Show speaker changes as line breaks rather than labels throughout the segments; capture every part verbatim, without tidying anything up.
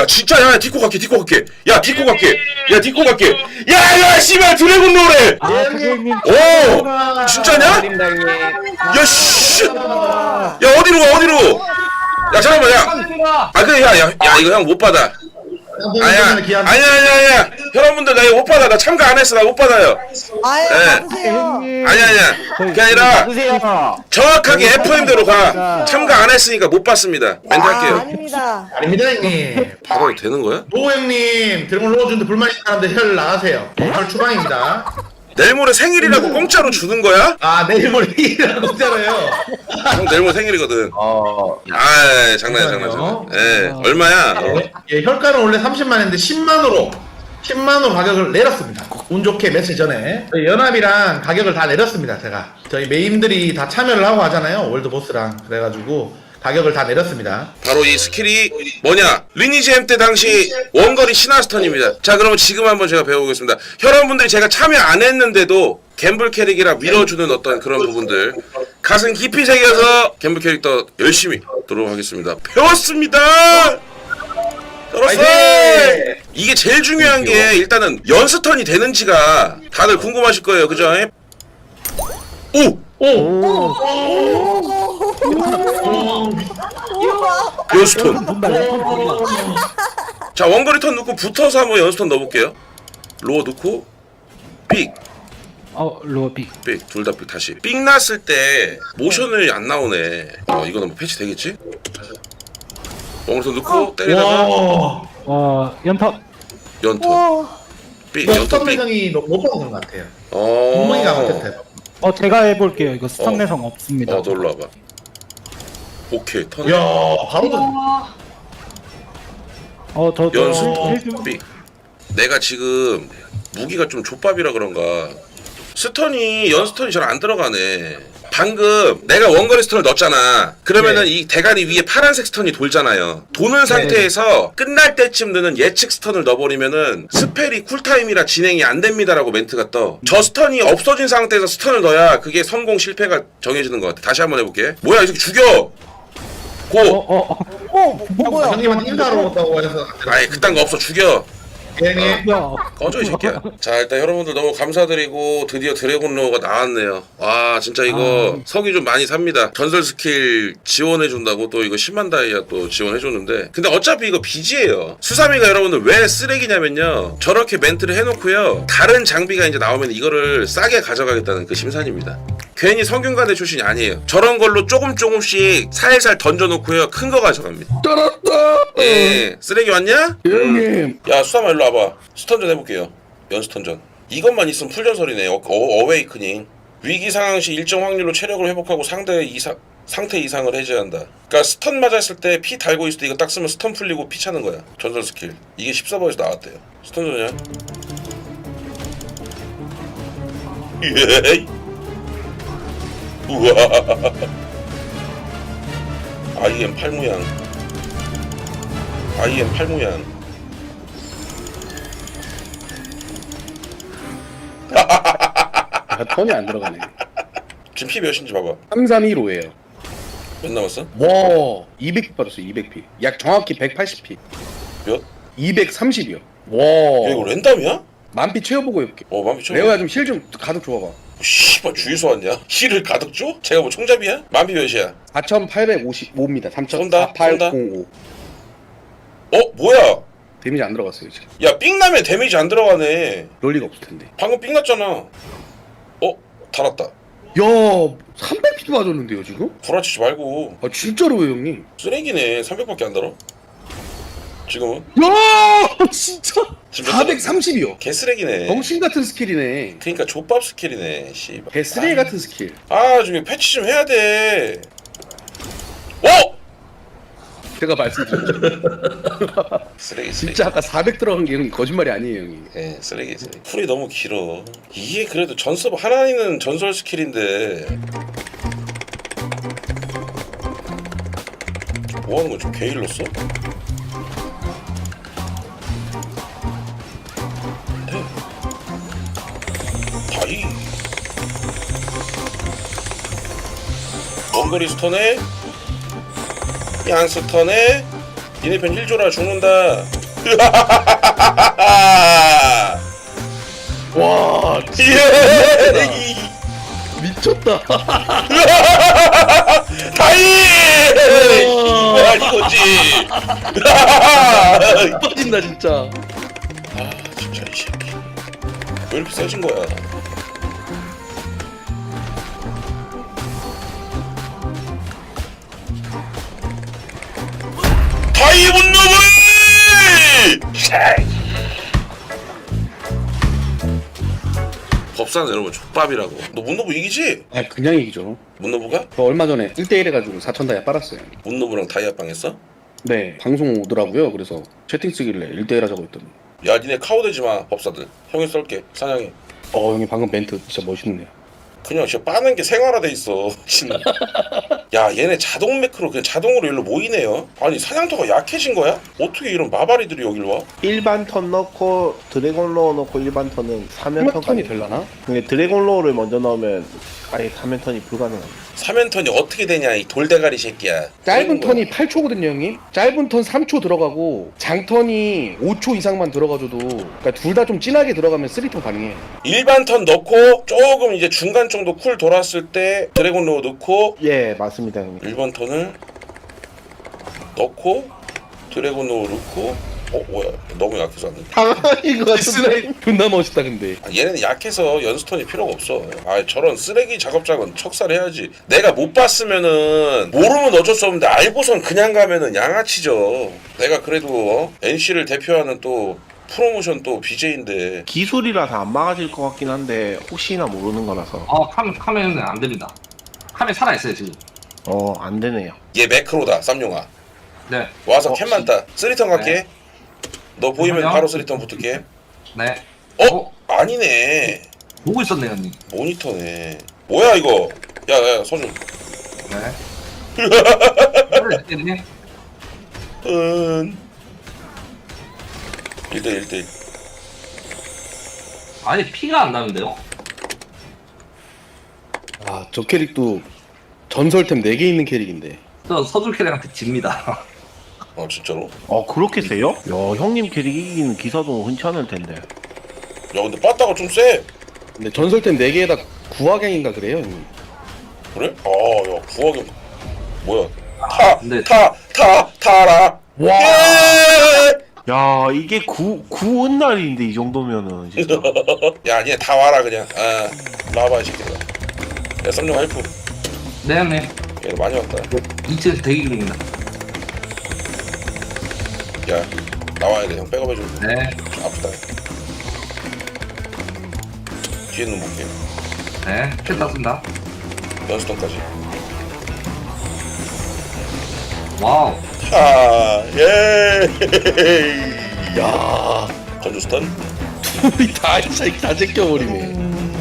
진짜 야 디코 갈게 디코 갈게 야 디코 갈게 야 디코 갈게 야야 씨발 드래곤 노래
아, 선생님.
오 진짜냐? 야씨 야 어디로 가 어디로 야 잠깐만 야아 그래 야야 야 이거 형 못 받아 아야 아니야 아니야 아니야 여러분들 나 이거 못 받아 나 참가 안 했어 나 못 받아요
아예
네.
받으세요.
아니야 아니야 그게 아니라 정확하게 에프엠대로 가 참가 안 했으니까 못 받습니다 멘트
아,
할게요
아닙니다.
아닙니다 형님.
받아도 되는 거야?
노 형님 드래곤 넣어주는데 불만 있는 사람들 혈 나가세요. 오늘 추방입니다.
내일 모레 생일이라고 공짜로 주는 거야?
아 내일 모레 일이라고 했잖아요.
형 내일 모레 생일이거든
어.
아 장난이야 장난 장난 예 얼마야?
예, 혈가는 원래 삼십만 했는데 십만으로 십만으로 가격을 내렸습니다. 운 좋게 며칠 전에 저희 연합이랑 가격을 다 내렸습니다. 제가 저희 메인들이 다 참여를 하고 하잖아요. 월드보스랑 그래가지고 가격을 다 내렸습니다.
바로 이 스킬이 뭐냐 리니지 엠 때 당시 원거리 신화스턴입니다. 자 그러면 지금 한번 제가 배워보겠습니다. 여러분들이 제가 참여 안 했는데도 갬블 캐릭이라 밀어주는 어떤 그런 부분들 가슴 깊이 새겨서 갬블 캐릭터 열심히 하도록 하겠습니다. 배웠습니다. 떨었어. 이게 제일 중요한 게 일단은 연스턴이 되는지가 다들 궁금하실 거예요. 그죠? 오!
오!
연스턴. 자 원거리 턴 넣고 붙어서 한번 연스턴 넣어볼게요. 로어 넣고 삑.
어, 로어 빅.
삑. 둘 다 삑 다시. 삑 났을 때 모션이 안 나오네. 어 이거는 뭐 패치 되겠지? 원거리 턴 넣고 때리다가
와.
어, 연턴.
연턴.
와.
삑.
이거
연턴
스턴
삑.
내성이 못 받은 것 같아요.
어.
엉덩이가 같았어요.
어, 제가 해볼게요. 이거
어.
스턴 내성 없습니다.
어 놀러 와봐. 오케이 턴.
이야 바로 던.
어, 저, 저.
연습 삑. 내가 지금 무기가 좀 족밥이라 그런가 스턴이 연스턴이 잘 안 들어가네. 방금 내가 원거리 스턴을 넣었잖아. 그러면은
네.
이 대가리 위에 파란색 스턴이 돌잖아요. 도는 상태에서 끝날 때쯤 드는 예측 스턴을 넣어버리면은 스펠이 쿨타임이라 진행이 안 됩니다라고 멘트가 떠. 저 스턴이 없어진 상태에서 스턴을 넣어야 그게 성공 실패가 정해지는 것 같아. 다시 한번 해볼게. 뭐야 이 새끼 죽여. 고.
어, 어, 어.
어, 뭐, 뭐야?
형님한테 인사하러 왔다고 해서.
아이 그딴 거 없어 죽여.
형님.
야.
꺼져 이 새끼야. 자 일단 여러분들 너무 감사드리고 드디어 드래곤 로어가 나왔네요. 와 진짜 이거
아.
석이 좀 많이 삽니다. 전설 스킬 지원해준다고 또 이거 십만 다이아 또 지원해줬는데 근데 어차피 이거 빚이에요. 수사미가 여러분들 왜 쓰레기냐면요 저렇게 멘트를 해놓고요 다른 장비가 이제 나오면 이거를 싸게 가져가겠다는 그 심산입니다. 괜히 성균관대 출신이 아니에요. 저런 걸로 조금 조금씩 살살 던져놓고요 큰 거 가져갑니다.
떨었다.
예 쓰레기 왔냐?
형님.
야 수사마 일로 와봐. 스턴전 해볼게요. 연스턴전. 이것만 있으면 풀전설이네. 어, 어, 어웨이크닝. 위기 상황 시 일정 확률로 체력을 회복하고 상대 이상 상태 이상을 해제한다. 그러니까 스턴 맞았을 때 피 달고 있을 때 이거 딱 쓰면 스턴 풀리고 피 차는 거야. 전설 스킬. 이게 십 서버에서 나왔대요. 스턴전이야. 예이. 우와. 아이엠 팔 모양. 아이엠 팔 모양.
아, 턴이 안 들어가네.
지금 피 몇인지 봐봐.
삼삼일오예요.
몇 남았어?
와, 이백 피 빠졌어. 이백 피. 약 정확히 백팔십 피.
몇?
이백삼십이요. 와.
야 이거 랜덤이야?
만피 채워보고 해볼게.
어 맘피 쳐.
레오야 좀 실 좀 가득 줘봐봐.
씨발 주유소 왔냐? 힐을 가득 줘? 제가 뭐 총잡이야? 맘피 몇이야?
사천팔백오십오입니다.
쏜다,
삼천사팔공오.
어 뭐야?
데미지 안 들어갔어요 지금.
야 삥나면 데미지 안 들어가네.
그럴 리가 없을 텐데.
방금 삥 났잖아. 어? 달았다.
야, 삼백 피 맞았는데요 지금?
구라치지 말고.
아 진짜로요 형님?
쓰레기네. 삼백밖에 안 달아. 지금은?
야, 진짜.
지금
사백삼십이요.
개쓰레기네.
정신 같은 스킬이네.
그니까 족밥 스킬이네. 씨발.
개쓰레기 같은 스킬.
아 좀 패치 좀 해야 돼. 어?
제가 말씀드렸죠.
쓰레기 쓰레기.
진짜 아까 사백 들어간 게 형님 거짓말이 아니에요 형님.
예, 쓰레기 쓰레기. 쿨이 너무 길어. 이게 그래도 전섭 하나는 전설 스킬인데. 뭐 하는 거야? 좀 게일로 써? 다이. 원거리 스턴에 양 스턴에 니네 편 힐 줘라 죽는다.
와
예!
미쳤다.
다이! 이거야 이거지.
빠진다 진짜.
아 진짜 이 새끼 왜 이렇게 세진 거야? 다이 문놈을! 법사는 여러분 족밥이라고. 너 문노부 이기지?
아 그냥 얘기죠.
문노부가?
저 얼마 전에 일 대 일 해가지고 사천 다이아 빨았어요.
문노부랑 다이아빵 했어?
네 방송 오더라고요. 그래서 채팅 쓰길래 일 대 일 하자고 했더니
야 니네 카오되지 마 법사들. 형이 쏠게 사냥해.
어 형님 방금 멘트 진짜 멋있네요.
그냥 진짜 빠는 게 생활화돼 있어. 야 얘네 자동 매크로 그냥 자동으로 일로 모이네요. 아니 사냥터가 약해진 거야? 어떻게 이런 마바리들이 여길 와?
일반 턴 넣고 드래곤 로어 넣고 일반 턴은 사면
턴이
턴까지.
될라나?
근데 드래곤 로어를 먼저 넣으면 아예 사면 턴이 불가능합니다.
사면턴이 어떻게 되냐 이 돌대가리 새끼야.
짧은 턴이 팔 초거든요 형님. 짧은 턴 삼 초 들어가고 장턴이 오 초 이상만 들어가줘도 그러니까 둘 다 좀 진하게 들어가면 쓰리 턴 가능해요.
일반 턴 넣고 조금 이제 중간 정도 쿨 돌았을 때 드래곤 로우 넣고
예, 맞습니다, 형님.
일 번 턴을 넣고 드래곤 로우 넣고 어 뭐야 너무 약해서 안 돼.
당황인 것 같은데.
존나 멋있다 근데.
아, 얘네는 약해서 연스턴이 필요가 없어. 아 저런 쓰레기 작업장은 척살해야지. 내가 못 봤으면은 모르면 어쩔 수 없는데 알고선 그냥 가면은 양아치죠. 내가 그래도 어? 엔씨를 대표하는 또 프로모션 또 비제이인데
기술이라서 안 막아질 것 같긴 한데 혹시나 모르는 거라서.
아, 카메, 카메는 안 됩니다. 카메 살아있어요, 지금.
어, 안 되네요.
얘 매크로다 쌈용아.
네,
와서
어,
캔만 따. 쓰리턴 갈게.
네.
너 보이면
잠깐만요.
바로 쓰리턴 붙을게.
네.
어?
어?
아니네.
보고 있었네요, 형님.
모니터네. 뭐야 이거? 야야 서준.
네. 네.
은. 일 대 일 대 일.
아니, 피가 안 나는데요?
아저 캐릭도 전설템 네 개 있는 캐릭인데.
저 서줄 캐릭한테 집니다.
어 진짜로?
어, 그렇게 세요? 야, 형님 캐릭 이기는 기사도 흔치 않을 텐데.
야 근데 빠따가 좀 세.
근데 전설템 네 개에다 구화갱인가 그래요 형님.
그래? 아야 구하게 뭐야? 타!
근데-
타! 타! 타라!
와.
예!
야, 이게 구, 구은 날인데 이 정도면은 진짜.
야 니네 다 와라 그냥. 아 나와봐 이 새끼들아. 야 쌈용 할프.
네, 형님.
얘 많이 왔다.
이 층에서 대기 중입니다.
야 나와야 돼. 형 백업해줘.
네.
아프다. 뒤에 는 볼게.
네. 캔 땄습니다.
연수턴까지.
와우.
하 예.
야
건조스턴.
우리 다 진짜 다 제껴버리네.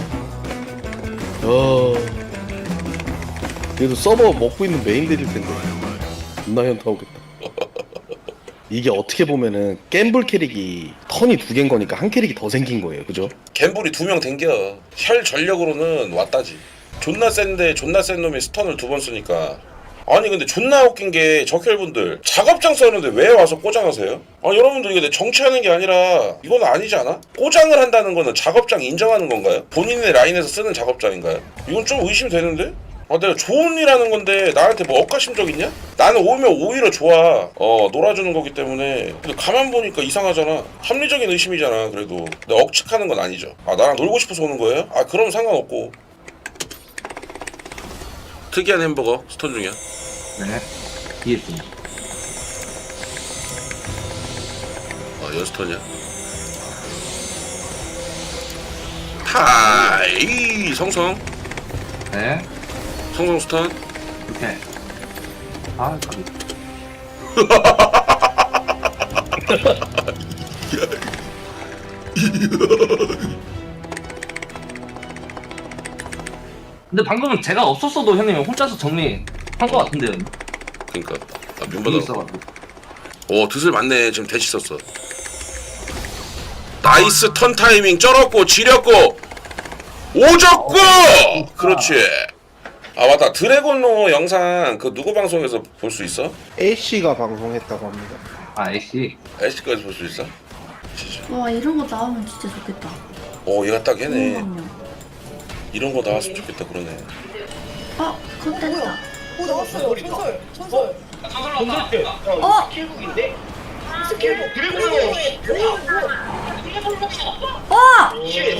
어. 그래도 서버 먹고 있는 메인들일 텐데. 존나 현타 오겠다. 이게 어떻게 보면은 갬블 캐릭이 턴이 두 개인 거니까 한 캐릭이 더 생긴 거예요, 그죠?
갬블이 두 명 댕겨. 혈 전력으로는 왔다지. 존나 센데 존나 센 놈이 스턴을 두 번 쓰니까. 아니 근데 존나 웃긴 게 적혈분들 작업장 써는데 왜 와서 꼬장하세요? 아 여러분들 이게 내 정치하는 게 아니라 이건 아니지 않아? 꼬장을 한다는 거는 작업장 인정하는 건가요? 본인의 라인에서 쓰는 작업장인가요? 이건 좀 의심이 되는데? 아 내가 좋은 일 하는 건데 나한테 뭐 억가심적 있냐? 나는 오면 오히려 좋아. 어 놀아주는 거기 때문에. 근데 가만 보니까 이상하잖아. 합리적인 의심이잖아. 그래도 내가 억측하는 건 아니죠. 아 나랑 놀고 싶어서 오는 거예요? 아 그럼 상관없고. 특이한 햄버거 스톤 중이야.
네. 뒤에 있습니다.
어 연스턴이야. 타이 성성
네.
성성 스턴.
이렇게. 아, 가비. 근데 방금은 제가 없었어도 형님이 혼자서 정리한 것 같은데요.
그니까 아
여기
면바다.
있어가지고.
오 드슬 맞네. 지금 대시 썼어. 나이스 턴 타이밍 쩔었고 지렸고 오졌고. 그렇지. 아 맞다 드래곤로 영상 그 누구 방송에서 볼 수 있어?
A씨가 방송했다고 합니다.
아 애쉬.
애쉬까지 볼 수 있어? 진짜.
와 이런 거 나오면 진짜 좋겠다.
오 얘가 딱 얘네.
잠깐만요.
이런 거 나왔으면 좋겠다 그러네.
어, 컷됐다.
오 나왔어요. 전설. 전설.
어,
스킬 드래곤.
어,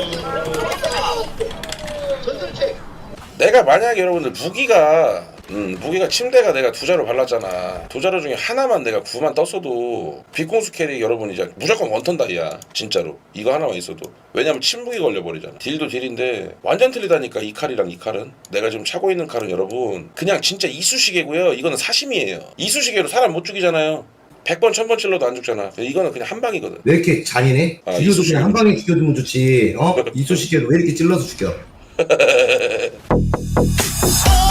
전설책.
내가 만약에 여러분들 무기가 음, 무기가 침대가 내가 두 자루 발랐잖아. 두 자루 중에 하나만 내가 구만 떴어도 빛공수 캐릭 여러분 이제 무조건 원턴 다이야. 진짜로 이거 하나만 있어도. 왜냐면 침묵이 걸려버리잖아. 딜도 딜인데 완전 틀리다니까. 이 칼이랑 이 칼은. 내가 지금 차고 있는 칼은 여러분 그냥 진짜 이쑤시개고요. 이거는 사심이에요. 이쑤시개로 사람 못 죽이잖아요. 백 번 천 번 찔러도 안 죽잖아. 이거는 그냥 한 방이거든.
왜 이렇게 잔인해?
아,
죽여도
이쑤시개.
그냥 한 방에 죽여주면 좋지. 어? 이쑤시개로 왜 이렇게 찔러서 죽여?
어